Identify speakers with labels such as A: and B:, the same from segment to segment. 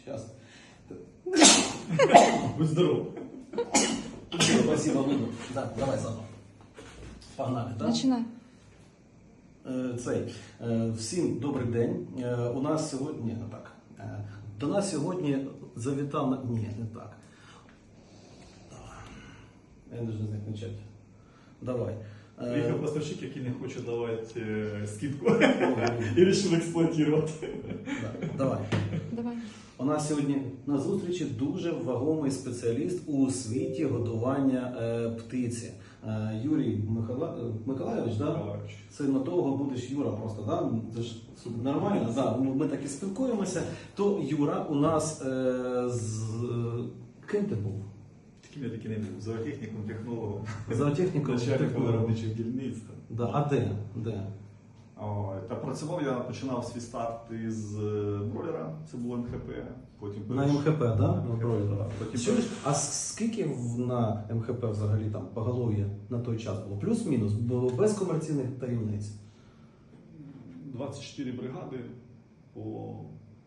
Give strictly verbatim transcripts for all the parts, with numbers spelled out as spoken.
A: Сейчас.
B: Будь здоров.
A: Спасибо, Луну. Да, давай заново. Погнали, так?
C: Починай.
A: Е, Цей. Е, Всім добрий день. Е, У нас сьогодні... Ні, не так. Е, До нас сьогодні завітав... на- Ні, не так. Я не знаю, як почати. Давай. Е,
B: Приїхав поставщик, який не хоче давати е, скидку. І вирішив експлуатувати.
A: да, Давай.
C: Давай.
A: У нас сьогодні на зустрічі дуже вагомий спеціаліст у світі годування е, птиці. Е, Юрій Михайла... Миколайович, да?
B: Миколайович.
A: Це на того будеш Юра просто, да? Це ж нормально, да? Ми так і спілкуємося. То Юра у нас е, з ким ти був?
B: Таким я таки не був. Зоотехніком, технологом.
A: Зоотехніком.
B: Начальником виробничих дільниць.
A: Да. А де? Де?
B: О, та працював я, починав свій старт із е, бройлера, це було ем ха пе. Потім
A: На
B: перейшов-
A: ем ха пе, да?
B: На ем ха пе, да. Потім
A: Чуєш,
B: перейшов-
A: а с- скільки в- на ем ха пе взагалі там поголов'я на той час було? Плюс-мінус, бо без комерційних таємниць.
B: двадцять чотири бригади по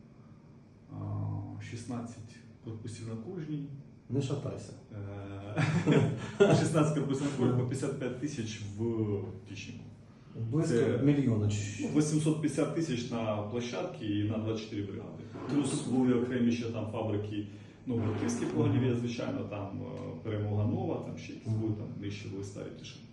B: а, шістнадцять корпусів на кожній.
A: Не шатайся.
B: Е, шістнадцять корпусів на кожній по п'ятдесят п'ять тисяч в тічнику.
A: Близько
B: Це-
A: мільйона.
B: Ну, вісімсот п'ятдесят тисяч на площадці і на двадцять чотири бригади. Плюс були окремі ще там фабрики, ну, Братівські погонів'я, звичайно, там е, Перемога Нова, там ще якісь були, там нижче були старі пташки.